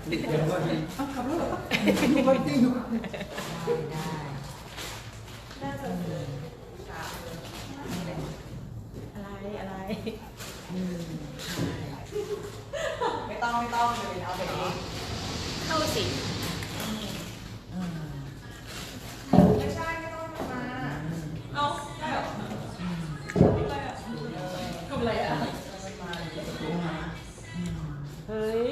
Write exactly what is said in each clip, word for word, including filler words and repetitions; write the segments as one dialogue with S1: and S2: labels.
S1: ติดเกมด้วยอ้าวขับรถเหรอดูไปจริงดู
S2: ได้น่าจะอะไรอะไรอืมไม่ต้องไม่ต้องเลยเอาไปเองเข้าสิไม่ใช่ไม่ต้องมาเอาได้หรอทำอะไรอ่ะเฮ้ย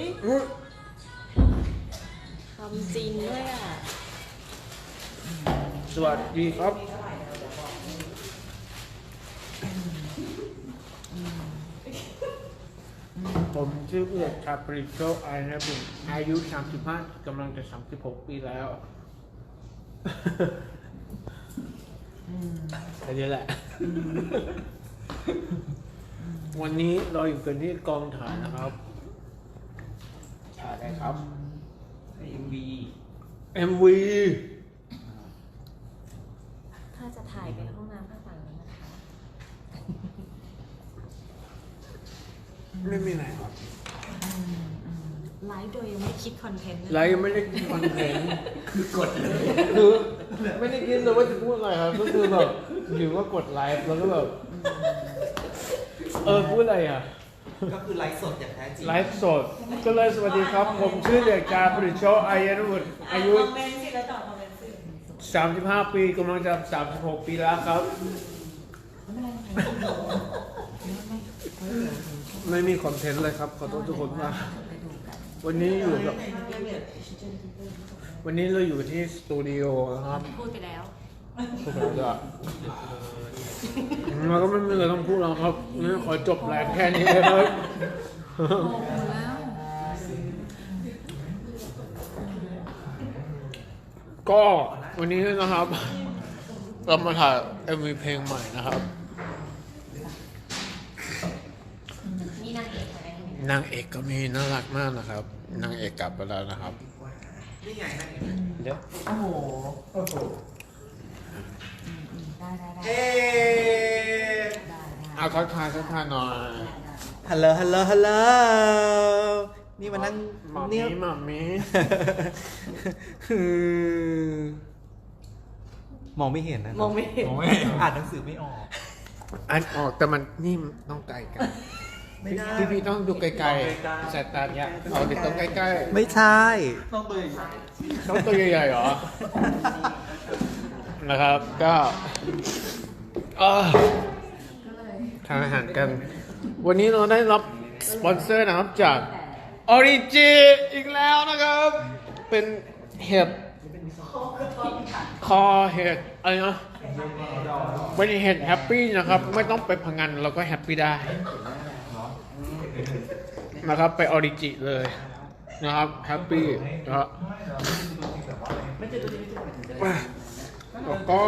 S2: ทำจริงด้วยอ่ะ
S3: สวัสดีครับผมชื่อเอื้อชาปริโชไอนะผมอายุสามสิบห้ากำลังจะสามสิบหกปีแล้วแค่นี้แหละวันนี้เราอยู่กันที่กองถ่ายนะครับถ่ายอะไรครับ
S1: เอ็มวี
S3: เอ็ม วี
S2: ถ้าจะถ่ายเป็นห้องน้ำข้างหลังนี้นะคะ
S3: ไม่มีไหนครับ
S2: ไลฟ์โดยยังไม่คิดคอนเทนต์
S3: ไลฟ์ยังไม่ได้คิดคอนเทนต์
S1: คือกดเลย
S3: คือไม่ได้คิดเลยว่าจะพูดอะไรครับก็คือแบบอยู่ก็กดไลฟ์แล้วก็แบบเออพูดอะไรอ่ะ
S1: ก็คือไลฟ์สดอย่างแท้จริง
S3: ไลฟ์สดก็เลยสวัสดีครับผมชื่อเด็กชายปริโชอายุวุฒิอายุ
S2: คอมเมนต์สิแล้วตอบคอมเมนต์สิ
S3: สามสิบห้าปีกำลังจะสามสิบหกปีแล้วครับไม่มีคอนเทนต์เลยครับขอโทษทุกคนมากวันนี้อยู่กับวันนี้เราอยู่ที่สตูดิโอนะครับ
S2: พูดไปแล้ว
S3: พูดไปแล้วมันก็ไม่มีอะไรต้องพูดแล้วครับงั้นขอจบแรงแค่นี้เลยครับก็วันนี้นะครับเรามาถ่าย เอ็ม วี เพลงใหม่นะครับ
S2: นี่นางเอกอะไรนี่
S3: นางเอกก็มีน่ารักมากนะครับนางเอกกลับไปแล้วนะครับ
S1: นี่ไงนั่นเอง
S3: เดี๋ยว
S1: โอ้โหโอ้โห
S2: ได้ได้ได้
S1: เอ๊ะ
S3: เอาทักทายทักทายหน่อย
S1: ฮัลโหลฮัลโหลฮัลโหลนี่มานั่ง
S3: หมามี
S1: เนี่ย
S3: หมามี
S1: มองไม่เห็นนะ
S2: มองไม่เห็น
S1: มองไม่เห็นอ่านหนังสือไม่ออก
S3: อันออกแต่มันนี่ต้องไกลกัน
S1: ไม่ได้
S3: พี่พี่ต้องดูไกลๆสายตาเนี่ยเอาดิต้องใกล้ๆ
S1: ไม่ใช่ต้องตัว
S3: ต้องตัวใหญ่ๆเหรอ นะครับ ก็เอ่อทานอาหารกัน วันนี้เราได้รับสปอนเซอร์นะครับจาก ออริจิอีกแล้วนะครับ เป็นเห็ดคอเห็ดอะไรนะเป็นเห็ดแฮปปี้นะครับ ไม่ต้องไปพังงานเราก็แฮปปี้ได้นะครับไปออริจิเลยนะครับแฮปปี้นะครับแล้วก็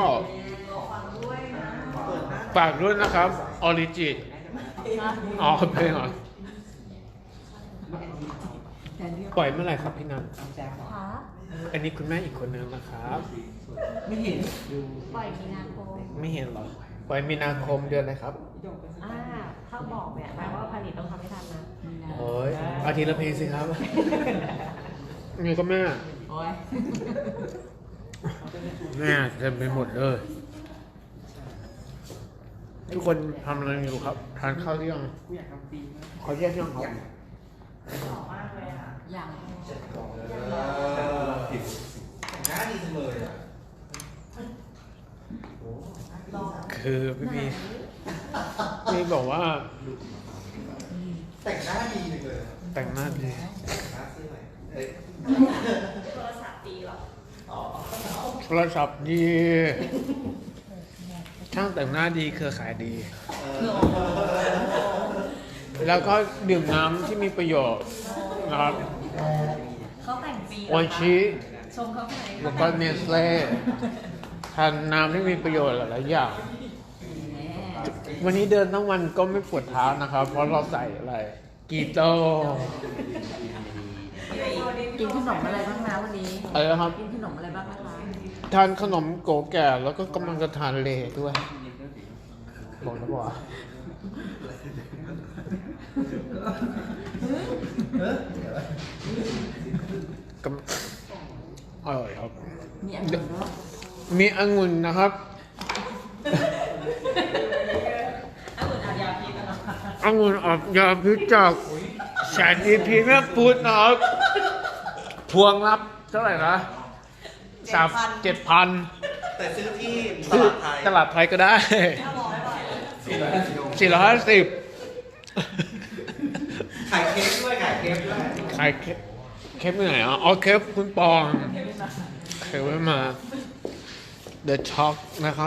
S3: ฝากด้วยนะครับออริจิอ๋อเพลงเหรอปล่อยเมื่อไหร่ครับพี่นัน
S2: ค่ะ
S3: อันนี้คุณแม่อีกคนนึงนะครับ
S1: ไม่เห็น
S2: ปล่อยมีนาคม
S3: ไม่เห็นเหรอปล่อยมีนาคมเดือนอะไรครับ
S2: อ่าถ้าบอกเนี่ยแปลว่าผลิตต้องทำให้ทันนะ
S3: โอ้ยอาทิตย์ละเพลงสิครับนี่ก็แม่
S2: โอ้ย
S3: แม่เต็มไปหมดเลยทุกคนทำอะไรอยู่ครับทานข้าวหรือยังขอแยกยังครับ
S2: อย่าง
S1: หน้าดีจังเลยอ่ะ
S3: คือพี่พีพี่บอกว่า
S1: แต่งหน้าดีจังเลย
S3: แต่งหน้าดี
S1: แต่งหน้าซื้อไหนเอ้ย
S2: โทรศัพท์ดีเหรอ
S3: โทรศัพท์ดีช่างแต่งหน้าดีเครือข่ายดี แล้วก็ดื่มน้ำที่มีประโยชน์นะครับ
S2: เขาแต่งปี
S3: โออิชิ
S2: ชมเขาไหน
S3: แล้วก็เนสเล่ทานน้ำที่มีประโยชน์หลายๆอย่าง วันนี้เดินทั้งวันก็ไม่ปวดเท้านะครับ เพราะเราใส่อะไรกีโต้
S2: กินขนมอะไรบ้างนะวันนี้
S3: อะไรนะครับ
S2: กินขนมอะไรบ้างนะคะ
S3: ทานขนมโกแก่แล้วก็กำลังจะทานเลด้วยบอกนะบอกกำอร่อยครับ
S4: มีองุ่นด้วย
S3: มีองุ่นนะครับ องุ่นออกยาพิษจากแสนอีพีแม่พูดนะครับพวงรับเท่าไหร่นะสามเจ็ดพัน
S1: แต่ซื้อที่ต
S3: ซื้อ
S1: ลาดไทย
S3: ตลาดไทยก็ได้สี่ร้อยห้าสิบ
S1: ขายเค้กด้วยขายเค้กด้วย
S3: ขายเคปเคปที่ไหนอ่ะอ๋อเคปคุณปองเคปไว้มา The Choc นะครับ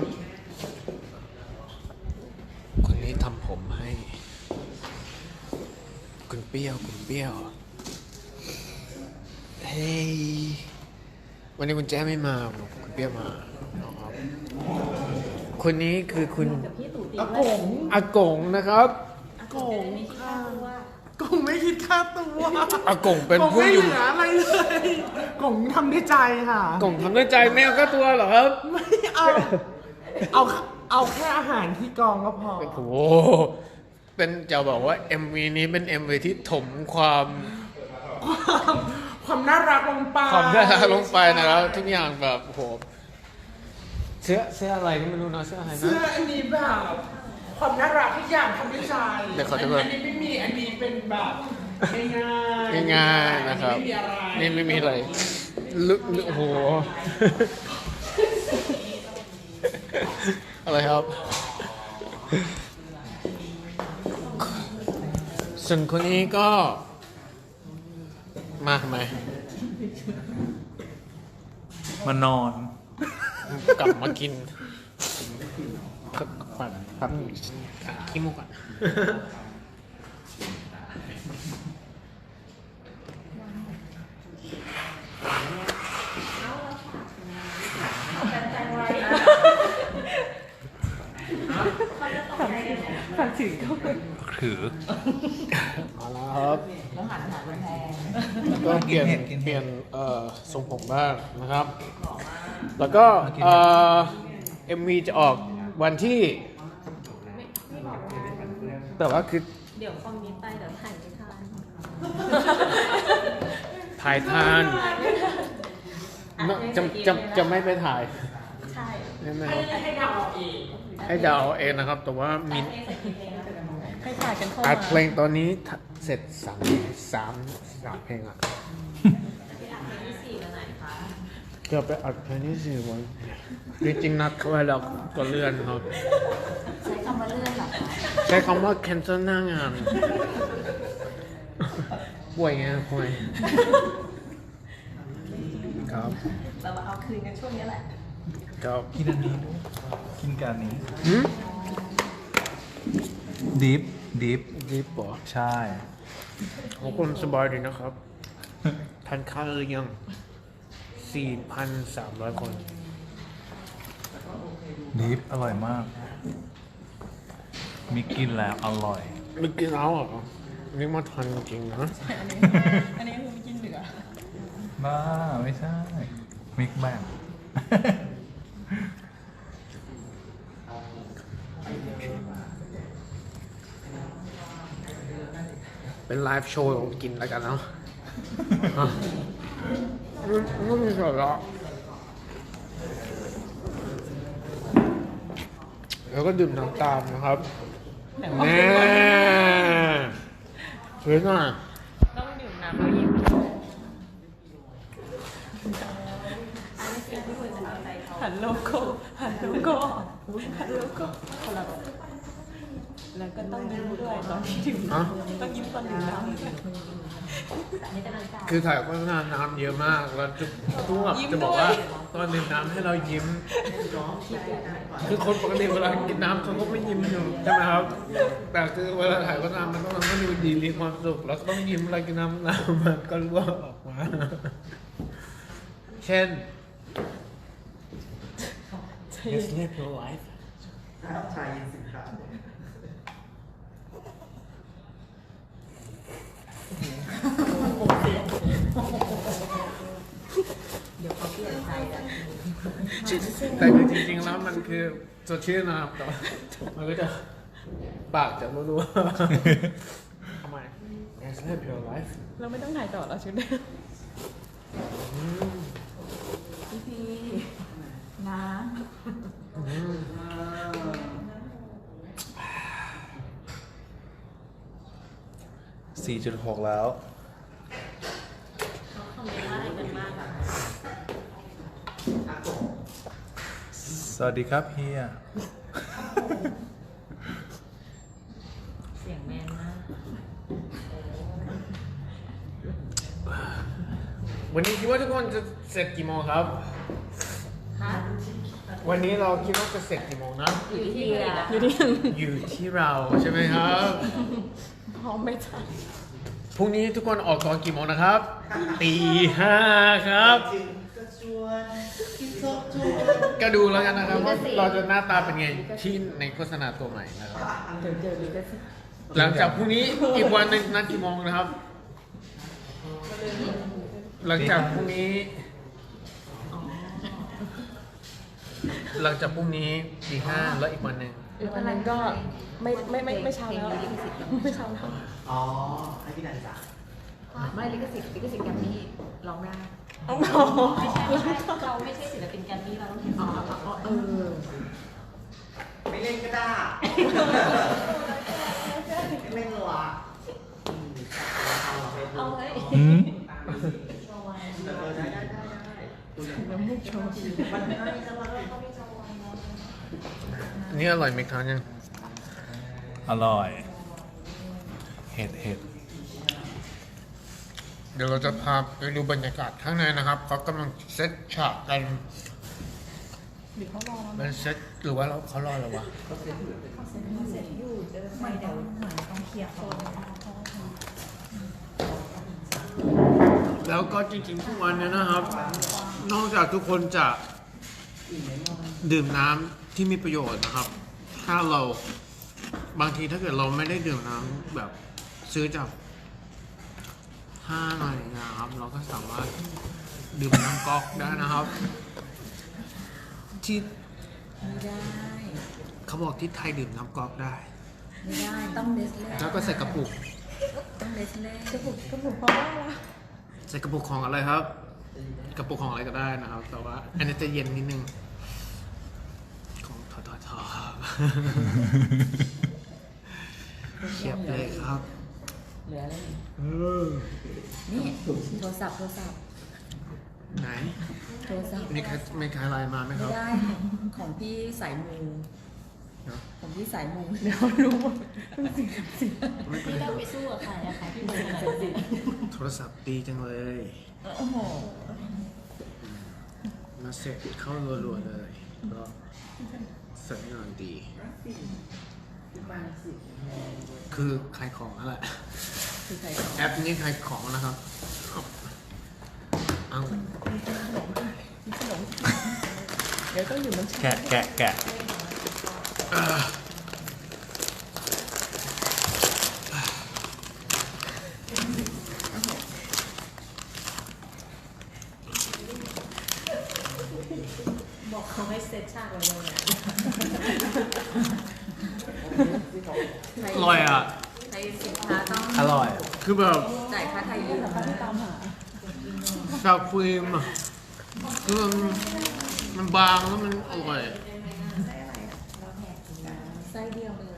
S3: คนนี้ทำผมให้ คุณเปรี้ยวคุณเปรี้ยว เฮ้ย วันนี้คุณแจ้ไม่มาคุณเปรี้ยวมานะครับคนนี้คือคุณ
S4: พี่ตู่ตี
S5: อากง
S3: อากงนะครับ
S4: อากงค่ะ
S5: กงไม่คิดค่าตัว
S3: อากงเป็น
S5: กง
S3: ผู้
S5: ไม่
S3: อ
S5: เห
S3: ยู่
S5: ลืออะไรเลยกงทำด้วยใจค่ะ
S3: กงทำด้วยใจไม่เอาก็ตัวเหรอครับ
S5: ไม่เอา เอา เอาแค่อาหารที่กองก็พอ
S3: โอ้โห เป็นจะบอกว่า เอ็ม วี นี้เป็น เอ็ม วี ที่ถมความ
S5: ความความน่ารักลงไป
S3: ความน่ารักลงไปนะครับ ทุกอย่างแบบโอ้โหเสื้อเสื้ออะไรก็ไม่รู้นะเสื้ออะไรนะ
S5: เสื้ออันนี้แบบความน่ารักทุกอย่างทำด้วยใจ
S3: เดี๋ยวขอดูก่อน
S5: อันนี้ไม่มีอันนี้เป็นแบบง่ายๆ
S3: ง่ายๆนะครับ
S5: ไม่มีอะไร
S3: นี่ไม่มีอะไรลึกลึกโอ้โห อะไรครับ ส่วนคนนี้ก็ มาทำไม
S6: มานอน
S3: กลับมากินปัดปั๊บขี้มูกก่อน
S6: ถือ
S3: เอาละครับ
S4: ต้องหันอาหารมันแพง
S3: แล้วก็เปลี่ยนเปลี่ยนเอ่อทรงผมบ้างนะครับ แล้วก็เอ่อเอ็มวีจะออกวันที่ แต่ว่าคือ
S4: เดี๋ยวคอมมิตไปเดี๋ยวถ่ายไม่ทัน
S3: ถ่ายทานจะจะจะไม่ไปถ่าย
S4: ใช่
S3: ใช่ไหม
S5: ให้
S3: ครับ
S5: ให้เดาเอาเอง
S3: ให้เดาเอาเองนะครับ แต่ว่ามี
S4: ให้ถ่ายกันเข้า
S3: อั
S4: มา
S3: ดเพลงตอนนี้เสร็จสามสามสามเพลงอ่ะ
S4: ที่อัดเพลงที่สี่วันไหนคะ
S3: จะไปอัดเพลงที่สี่วันจริงๆนัดเขาไว้แล้วก็เลื่อนครับ
S4: ใช้คำว่าเลื่อนเหรอคะ
S3: ใช้คำว่า cancel หน้างาน ป่วยไงป่วยครับ
S4: เรามาเอาคืนกันช่วงนี้แหละ
S3: ครับ
S6: กินอันนี้ด้วยกินกับอันนี้
S3: หืม
S6: ดิฟ ดิฟ
S3: ดีปะ
S6: ใช่
S3: ขอบคุณสบายดีนะครับทานข้าวหรือยัง สี่พันสามร้อย คน
S6: ดิฟ อร่อยมาก มีกินแล้ว อร่อย
S3: ไม่กินแล้วเหรอนี่มาทันจริงๆนะ
S4: อันนี้คือไม่กินเหลือ
S6: บ้า ไม่ใช่ มิกแบง
S3: เป็นไลฟ์โชว์ของกินแล้วกันเนาะอ่ะไม่ไม่มีสาระแล้วก็ดื่มน้ำตามนะครับแน่สวยหน่อย
S4: ต้องดื่มน้ำแล้วยิ้มหันโลโก้หันโลโก้หันโลโก้คนละแล้วก็ต้องยิ้มด้วยตอนที่ดื่ม
S3: อ่ะ
S4: ต้องยิ้มตอนดื่มน้ำ
S3: คือถ่ายโฆษณาน้ำเยอะมาก แล้วทุกทุกแบบจะบอกว่าตอนดื่มน้ำให้เรายิ้ม คือคนปกติเวลากินน้ำเขาก็ไม่ยิ้มอยู่ใช่ไหมครับ แต่คือเวลาถ่ายโฆษณามันต้องทำให้ดูดีมีความสุข แล้วก็ต้องยิ้มเวลากินน้ำน้ำมันก็รั่วออกมา เช่น Just live your life
S1: ชายยินสินค้า
S4: เดี๋ยวเขาเปลี่ยนใจกัน
S3: แต่คือจริงๆแล้วมันคือสดชื่นนะครับแต่ว่ามันก็จะปากจะรัวๆทำไม Yes live your life
S4: เราไม่ต้องถ่ายต่อแล้วชุดนี้พี่พีน้
S6: สี่จุดหกแล้ว สวัสดีครับเฮีย
S4: เสียงแมนมาก
S3: วันนี้คิดว่าทุกคนจะเสร็จกี่โมงครับ
S4: ฮะ
S3: วันนี้เราคิดว่าจะเสร็จกี่โมงนะ
S4: อยู่ที่อยู่ที่
S3: อยู่ที่เราใช่ไหมครับ
S4: พร้อมไม่ทัน
S3: พรุ่งนี้ทุกคนออกก่อนกี่โมงนะครับตีห้าครับ ก็ดูแล้วกันนะครับว่าเราจะหน้าตาเป็นไงที่ในโฆษณาตัวใหม่นะครับ
S4: เดี๋ยวเจอดีก็สิ
S3: หลังจากพรุ่งนี้อีกวันหนึ่งนัดกี่โมงนะครับ หลังจากพรุ่งนี้ หลังจากพรุ่งนี้ตีห้าแล้วอีกวันหนึ่ง
S4: อีกวันนั้นก็ไม่ไม่ไม่ไม่เช้าแล้วไม่เช้าแล้ว
S1: อ๋อ ให้พี่นันจ่าย
S7: ไม่ลิขสิทธิ์ลิขสิทธิ์แกรมมี่ร้องได้
S4: อ๋อ
S7: ไม่ใช่ไม่ใช่เราไม่ใช่ศิลปินแกรมมี่เราต้องเห็น
S4: อ๋ออ๋อเออ
S1: ไม่เล่นก็ได้ ไม่เล่นหรอ
S7: เอาเฮ้ย
S6: อืม
S1: เออได้ได้ได้ได้
S4: น้ำมูกโชว์
S1: มันให้จะมา
S3: อันนี่อร่อยไหมครับยัง
S6: อร่อย เห็ดเห็ด
S3: เดี๋ยวเราจะพาไปดูบรรยากาศข้างในนะครับเขากำลังเซตฉากกัน
S4: หรือเขารอ
S3: มันเซตหรือว่าเราเขารอเราวะแล้วก็จริงๆทุกวันเนี้นะครับ นอกจากทุกคนจะดื่มน้ำที่มีประโยชน์นะครับ ถ้าเราบางทีถ้าเกิดเราไม่ได้ดื่มน้ำแบบซื้อจากห้างอะไรอย่างเงี้ยครับ เราก็สามารถดื่มน้ำก๊อกได้นะครับ ที่
S7: ไม่ได้
S3: เขาบอกที่ไทยดื่มน้ำก๊อกได้
S7: ไม่ได้ต้องเนสเล่
S3: แล้วก็ใส่กระปุก
S7: ต้องเนสเล่
S4: กระปุกกระปุกเพราะว่าอะไร
S3: ใส่กระปุกของอะไรครับ กระปุกของอะไรก็ได้นะครับ แต่ว่า อันนี้จะเย็นนิดนึง ของทอทอทอครับ เชียบเลยครับ
S7: เหลืออะไรอีก
S3: เออ
S7: นี่โทรศัพท์โทรศัพท์
S3: ไหน
S7: โทรศัพท์
S3: มีใครมีใครไลน์มาไหมค
S7: ไม่
S3: รับ
S7: ได้ของพี่สายมู
S3: เนอะ
S7: ของพี่สายมู
S4: เดี๋ยวรู้หมด
S7: พี่ต้องไปสู้กับใครอะใครพี่มูขนาดนี้
S3: โทรศัพท์ดีจังเลย
S7: โอ้โห
S3: มาเสร็จเข้ารัวๆเลยก็สัญญาณดี คือขายของนั่นแหละ
S7: คือใครของ
S3: แอปนี้ขายของนะครับ เอา
S4: เดี๋ยวต้องอยู่มัน
S6: แกะแกะแกะ
S3: อ่า
S7: บอกเขาให้เซตฉากไว้เลยนะ
S3: อร่อยอ่ะ
S7: ใครสินค้าต้อง
S6: อร่อย
S3: คือแบบ
S7: จ่ายค่าไทยยืม
S4: ตามหา
S3: ซาฟิล์มอ่ะคือมันมันบางแล้วมันอร่อย
S7: ไส้เดียวเลย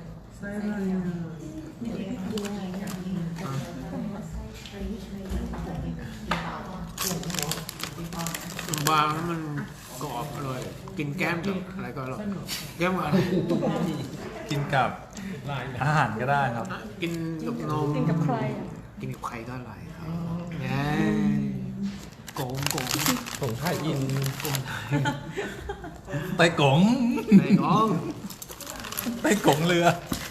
S3: มันบางแล้วมันกรอบอร่อย กินแก้มกับอะไรก็อร่อย แก้มกับอะไร
S6: กินกับอาหารก็ได้ครับ
S3: กินกับนม
S4: กินกับใครอ่ะ
S3: กินกับใครก็อร่อยครับแง่โกงโกง
S5: ผมถ่ายอิน
S3: โกงไทย
S6: ไต้กง
S3: ไอ้น้อง
S6: ไต้กงเรือ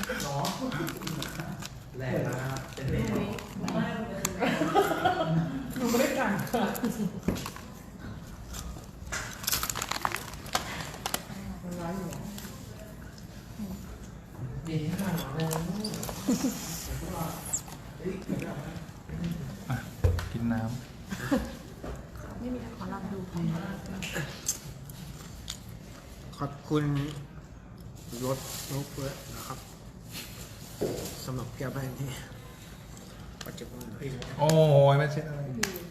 S1: แรงนะครับเป็นเด็ก
S6: อ่ะ กินน้
S3: ขอบคุณรถโน้ตเฟิร์สนะครับสำหรับแก้วแบงที่ปัจจุบันเลย
S6: โอ้ยไม่ใช่อะไร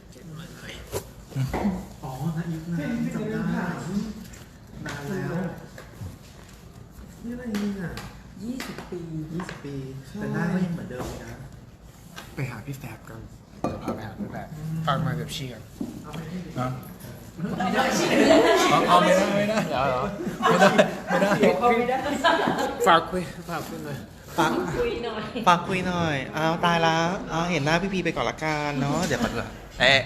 S1: อ๋อนะยุคนั้นจำได้นานแล้วนี่อะไรเนี่ย
S5: ยี่สิบปี
S1: ยี่สิบปี แต่หน้าก็ยังเหมือนเดิมเลยนะ
S3: ไปหาพี่แฟบกันเดี๋ยวพาไปหาพี่แฟบฟังมาเดี๋ยวชี้กัน
S6: นะเอาเอาไม่ได้ไม่ได้
S3: เดี๋ยวเหรอ
S6: ไม่ได้ไม่ได้
S3: ฝากคุยฝากคุยหน่อย
S1: ฝากคุยหน่อยฝากคุยหน่อยอ้าวตายแล้วอ้าวเห็นหน้าพี่พีไปก่อนละกันเนาะ เดี๋ยวก่อนเถอะเอ๊ะ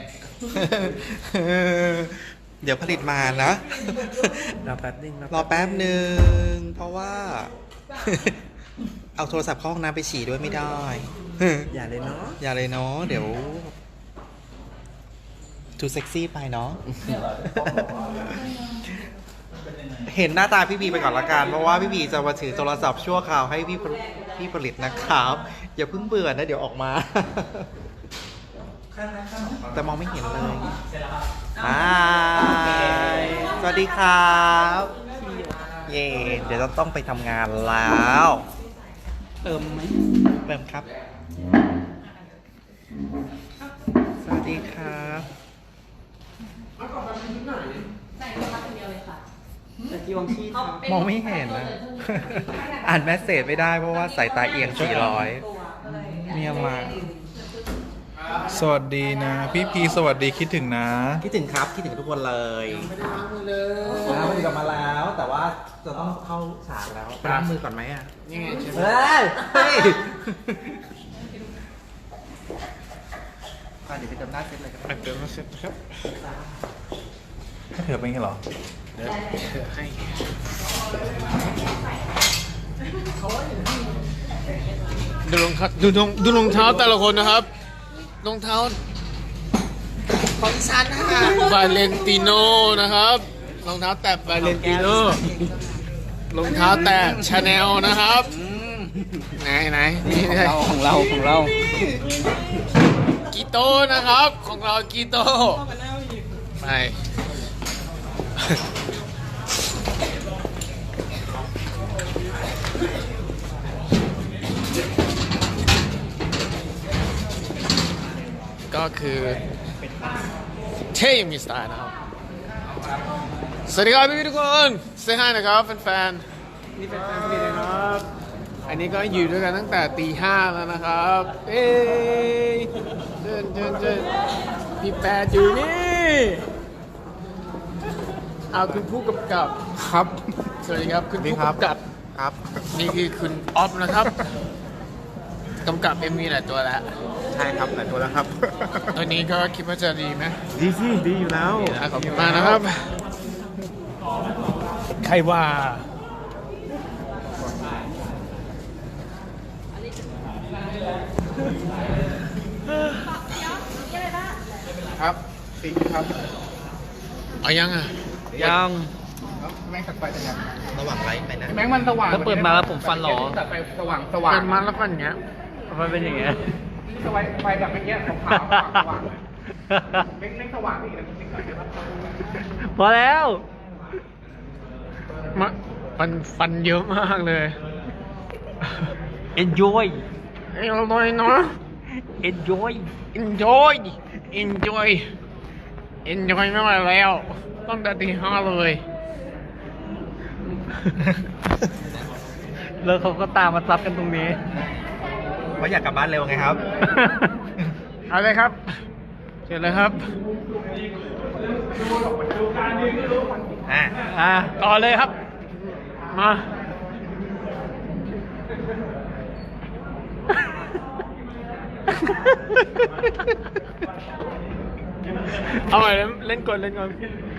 S1: เดี๋ยวผลิตมานะ
S5: รอแป๊บนึง
S1: รอแป๊บหนึ่ง เพราะว่า เอาโทรศัพท์เข้าห้องน้ำไปฉี่ด้วยไม่ได้
S5: อย่าเลยเนาะ
S1: อย่าเลยเนาะ เดี๋ยวดูเซ็กซี่ไปเนาะ เห็นหน้าตาพี่บีไปก่อนละกัน เพราะว่าพี่บีจะมาถือโทรศัพท์ชั่วคราวให้พี่พี่ผลิตนะครับ อย่าเพิ่งเบื่อนะเดี๋ยวออกมา แต่มองไม่เห็นเลยอ่าสวัสดีครับ เย่เดี๋ยวเราต้องไปทำงานแล้ว
S5: เติมไหม
S1: เริ่มครับ สวัสดีครับ
S5: ตะกี้วังชีครับ
S1: มองไม่เห็นนะ อ่านแมสเซจไม่ได้เพราะว่าสายตาเอียงสี่ร้อยเนี่ยมา
S6: สวัสดีนะ พี่พีสวัสดีคิดถึงนะ
S1: คิดถึงครับ คิดถึงทุกคนเลยล้างมือกลับมาแล้ว แต่ว่าจะต้องเข้าฉากแล้วไปล้างมือก่อนไหมอ่ะ
S3: นี่ไงใช่ไหม
S1: เฮ้ยเฮ้ยอ่ะเดี๋ยวไปเติมหน้าเซ็ตเลยกัน
S3: ไปเติมมาเสร็จครับ
S6: ให้เธอเป็นไงเหรอ
S3: เดี๋ยวเธอให้ดูรองเท้าดูรองดูรองเท้าแต่ละคนนะครับรองเท้า
S1: ของฉันค่ะ
S3: วาเลนติโนนะครับรองเท้าแตะวาเลนติโนรองเท้าแตะชาแนลนะครับไหนไหนนี่ไง
S5: ของเราของเรา
S3: กีโต้นะครับของเรากีโต้ไปก็คือเท่มีสไตล์นะครับสวัสดีครับพี่ๆทุกคนเซฮายนะครับแฟนๆนี่เป็นแฟนพี่นะครับอันนี้ก็อยู่ด้วยกันตั้งแต่ตีห้าแล้วนะครับเอ้ยเดินเดินเดินพี่แปดอยู่นี่เอาคุณผู้กำกับครับสวัสดีครับคุณผู้กำกับ
S1: ครับ
S3: นี่คือคุณออฟนะครับกำกับเอ็มวีหลายตัวแล้ว
S1: ใช่ครับหลายตัวแล้วครับ
S3: ตัวนี้ก็คิดว่าจะดีไหม
S1: ดีสิดีอยู่แล้ว
S3: นะขอบคุณมากนะครับ ใครว่า ครับปิงครับ เอายังอ่ะ
S5: ยัง
S3: แม่งตัดไฟแต่ยัง
S1: ระหว่างไลฟ์ไปนะ
S3: แม่งมันสว่าง
S5: แล้วเปิดมาแล้วผมฟันหรอ
S3: ตัดไฟสว่างสว่างเปิดมาแล้วฟันอย่างเงี้ย
S5: มันเป็นอย่างเงี้ย
S3: ไฟไฟแบบเมื่อกี้ขาวๆสว่างๆเม่งสว่างอีกนะจริงๆ
S5: พอแล้ว
S3: มะฟันฟันเยอะมากเลย
S5: enjoy
S3: เอ้ยอร่อยเนาะ
S5: enjoy
S3: enjoy enjoy enjoy ไม่ไหวแล้วต้องแต่ตีห้าเลย
S5: แล้วเขาก็ตามมาซับกันตรงนี้
S1: ว่าอยากกลับบ้านเร็วไงครับ
S3: เอาเลยครับเชิญเลยครับ
S1: อ่ะ
S3: อ่าต่อเลยครับ มาเอาใหม่เล่นก่อนเล่นก่อน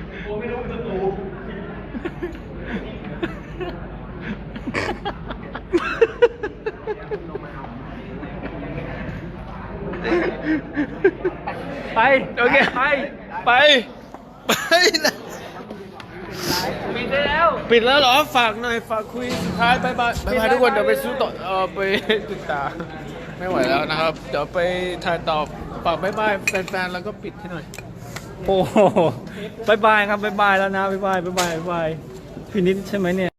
S3: ไปโอเคไปไปไปนะปิดได้แล้วปิดแล้วเหรอฝากหน่อยฝากคุยสุดท้ายบายบายบายบายทุกคนเดี๋ยวไปสู้ต่อเออไปติดตาไม่ไหวแล้วนะครับเดี๋ยวไปถ่ายต่อฝากบายบายแฟนๆแล้วก็ปิดให้หน่อย
S5: โอ้โหบายบายครับบายบายแล้วนะบายบายบายบายบายพี่นิดใช่ไหมเนี่ย